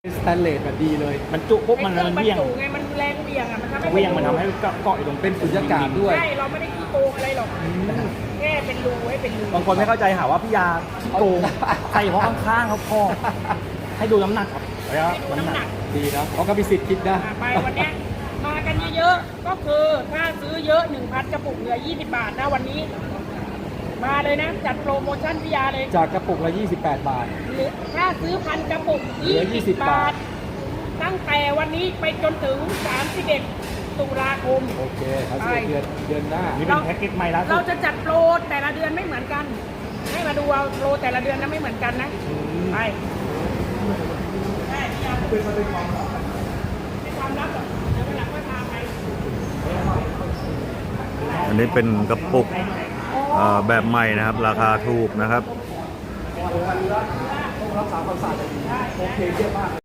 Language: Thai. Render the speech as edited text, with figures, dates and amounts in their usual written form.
สแตนเลสแบบดีเลยมันจุปุ๊บมันเวี่ยงไงมันแรงเบี่ยงอ่ะมันทำให้เวี่ยงมันทำให้เกาะอยู่ตรงเป็นสุญญากาศด้วยใช่เราไม่ได้ขี้โกงอะไรหรอกแค่เป็นรูให้เป็นรูบางคนไม่เข้าใจหาว่าพี่ยาขี้โกงใส่เพราะข้างๆเขาพอให้ดูน้ำหนักครับแล้วน้ำหนักดีนะเขาก็มีสิทธิ์คิดนะไปวันเนี้ยมากันเยอะๆก็คือถ้าซื้อเยอะ 1,000 กระปุกเหลือ20 บาทนะวันนี้ มาเลยนะจัดโปรโมชั่นพิยาเลยจากกระปุกละ28 บาทหรือถ้าซื้อพันกระปุกเหลือ20 20 บาท ตั้งแต่วันนี้ไปจนถึง31 ตุลาคมโอเคเขาเสียเดือนหน้านี่เป็นแพ็กเกจใหม่ล่าสุเราดจะจัดโปรแต่ละเดือนไม่เหมือนกัน ให้มาดูเอาโปรแต่ละเดือนนะไม่เหมือนกันนะไปใช่พิยาเป็นความลับหรอกเดี๋ยววันหลังค่อยพาไปอันนี้เป็นกระปุกแบบใหม่นะครับ ราคาถูกนะครับต้องรักษาความสะอาดดีโอเคเยี่ยมมาก